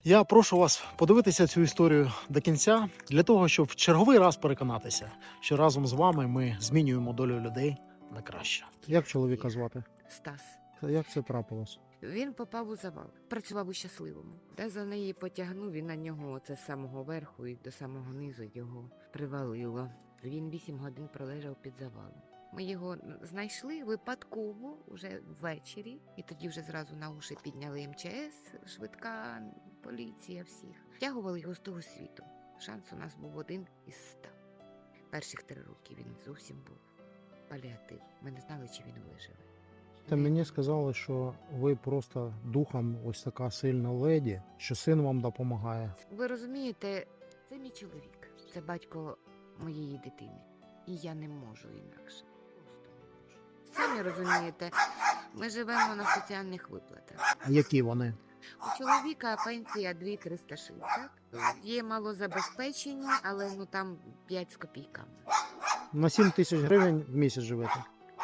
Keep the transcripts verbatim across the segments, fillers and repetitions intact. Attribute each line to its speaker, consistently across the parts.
Speaker 1: Я прошу вас подивитися цю історію до кінця, для того, щоб в черговий раз переконатися, що разом з вами ми змінюємо долю людей на краще. Як чоловіка звати?
Speaker 2: Стас.
Speaker 1: Як це трапилось?
Speaker 2: Він попав у завал, працював у щасливому. Де за неї потягнув, і на нього оце з самого верху і до самого низу його привалило. Він вісім годин пролежав під завалом. Ми його знайшли випадково вже ввечері, і тоді вже зразу на уші підняли ем че ес, швидка, поліція, всіх. Втягували його з того світу. Шанс у нас був один із ста. Перших три роки він зовсім був паліатив. Ми не знали, чи він виживе.
Speaker 1: Та мені сказали, що ви просто духом ось така сильна леді, що син вам допомагає.
Speaker 2: Ви розумієте, це мій чоловік, це батько моєї дитини. І я не можу інакше. Просто не можу. Самі розумієте, ми живемо на соціальних виплатах.
Speaker 1: А які вони?
Speaker 2: У чоловіка пенсія дві тисячі триста шістдесят. Є малозабезпечені, але ну там п'ять з копійками.
Speaker 1: На сім тисяч гривень в місяць живете.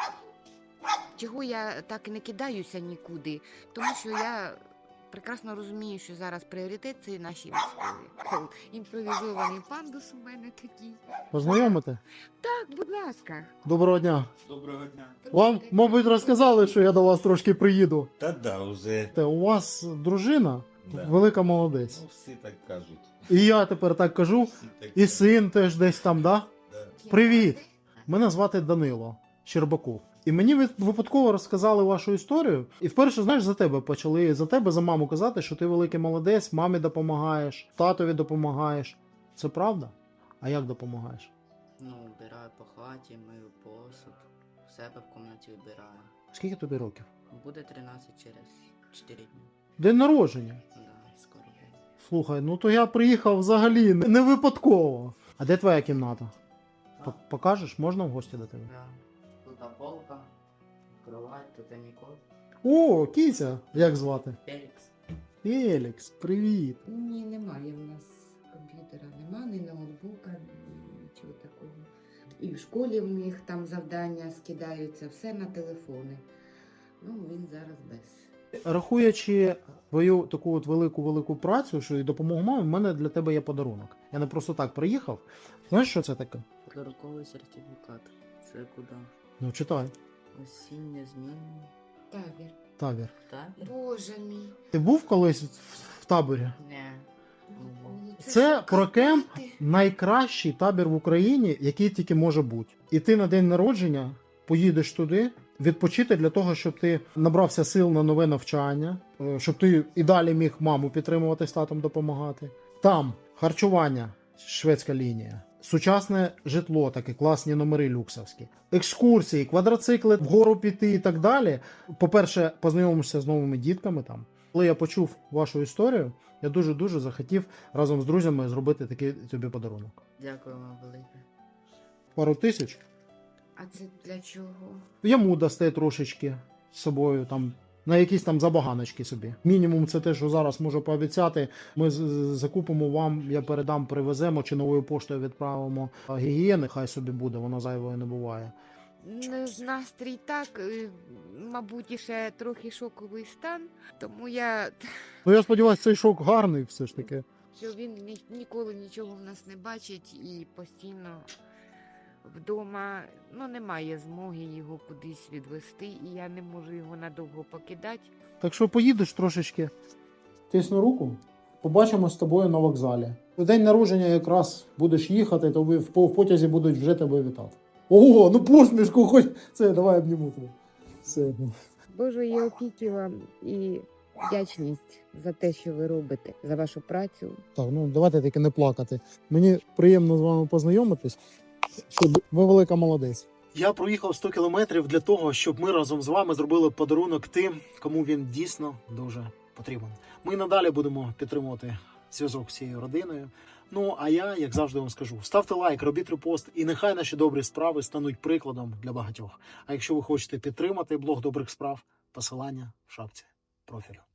Speaker 2: Чого я так і не кидаюся нікуди? Тому що я прекрасно розумію, що зараз пріоритет – це наші військові. Імпровізований пандус у мене такий.
Speaker 1: Познайомите?
Speaker 2: Так, будь ласка.
Speaker 1: Доброго дня.
Speaker 3: Доброго дня.
Speaker 1: Вам, мабуть, розказали, що я до вас трошки приїду.
Speaker 3: Та да, вже.
Speaker 1: Та у вас дружина
Speaker 3: Да.
Speaker 1: велика молодець.
Speaker 3: Ну, всі так кажуть.
Speaker 1: І я тепер так кажу.
Speaker 3: Всі так
Speaker 1: І
Speaker 3: кажуть.
Speaker 1: син теж десь там, да?
Speaker 3: Да.
Speaker 1: Привіт! Мене звати Данило Щербаков. І мені ви- випадково розказали вашу історію. І вперше, знаєш, за тебе почали, за тебе, за маму казати, що ти великий молодець, мамі допомагаєш, татові допомагаєш. Це правда? А як допомагаєш?
Speaker 4: Ну, вбираю по хаті, мию посуд, в себе в кімнаті вбираю.
Speaker 1: Скільки тобі років?
Speaker 4: Буде тринадцять через чотири дні.
Speaker 1: День народження.
Speaker 4: Да, скоро буде.
Speaker 1: Слухай, ну то я приїхав взагалі не не випадково. А де твоя кімната? П- Покажеш, можна в гості до тебе?
Speaker 4: Да. Тут полка, кровать, тут Нікол,
Speaker 1: О, кіця! Як звати?
Speaker 4: Фелікс.
Speaker 1: Фелікс, привіт.
Speaker 2: Ні, немає в нас комп'ютера, нема, ні ноутбука, ні нічого такого. І в школі в них там завдання скидаються, все на телефони. Ну, він зараз без.
Speaker 1: Рахуючи твою таку от велику-велику працю, що і допомогу мамі, в мене для тебе є подарунок. Я не просто так приїхав. Знаєш, що це таке?
Speaker 4: Подарунковий сертифікат. Це куди?
Speaker 1: Ну, читай.
Speaker 4: Осіннє змінення.
Speaker 2: Табір.
Speaker 1: Табір.
Speaker 4: Табір?
Speaker 2: Боже мій.
Speaker 1: Ти був колись в- в таборі?
Speaker 4: Не.
Speaker 2: Ну,
Speaker 1: Це
Speaker 2: ж
Speaker 1: про кемп
Speaker 2: капець.
Speaker 1: найкращий табір в Україні, який тільки може бути. І ти на день народження поїдеш туди відпочити для того, щоб ти набрався сил на нове навчання, е, щоб ти і далі міг маму підтримувати, з татом допомагати. Там харчування, шведська лінія, сучасне житло, таке класні номери люксовські, екскурсії, квадроцикли, вгору піти і так далі. По-перше, познайомишся з новими дітками там. Коли я почув вашу історію, я дуже-дуже захотів разом з друзями зробити такий тобі подарунок.
Speaker 4: Дякую вам велике.
Speaker 1: Пару тисяч.
Speaker 2: А це для чого?
Speaker 1: Йому дасте трошечки з собою там. На якісь там забаганочки собі. Мінімум це те, що зараз можу пообіцяти. Ми з- з- закупимо вам, я передам, привеземо чи новою поштою відправимо а, гігієни, хай собі буде, воно зайвою не буває.
Speaker 2: Не з- Настрій так, е, мабуть, і ще трохи шоковий стан, тому я,
Speaker 1: Ну я сподіваюся, цей шок гарний все ж таки.
Speaker 2: що він ні- ніколи нічого в нас не бачить і постійно вдома, ну, немає змоги його кудись відвести, і я не можу його надовго покидати.
Speaker 1: Так що поїдеш трошечки, тисну руку, побачимо з тобою на вокзалі. У день народження якраз будеш їхати, то ви в по- в потязі будуть вже тебе вітати. Ого, ну посмішку хоч. Це, давай обніму тебе. Все.
Speaker 2: Божої опіки вам і вдячність за те, що ви робите, за вашу працю.
Speaker 1: Так, ну давайте тільки не плакати. Мені приємно з вами познайомитись. Що ви велика молодець. Я проїхав сто кілометрів для того, щоб ми разом з вами зробили подарунок тим, кому він дійсно дуже потрібен. Ми надалі будемо підтримувати зв'язок з цією родиною. Ну а я, як завжди, вам скажу: ставте лайк, робіть репост, і нехай наші добрі справи стануть прикладом для багатьох. А якщо ви хочете підтримати блог добрих справ, посилання в шапці профілю.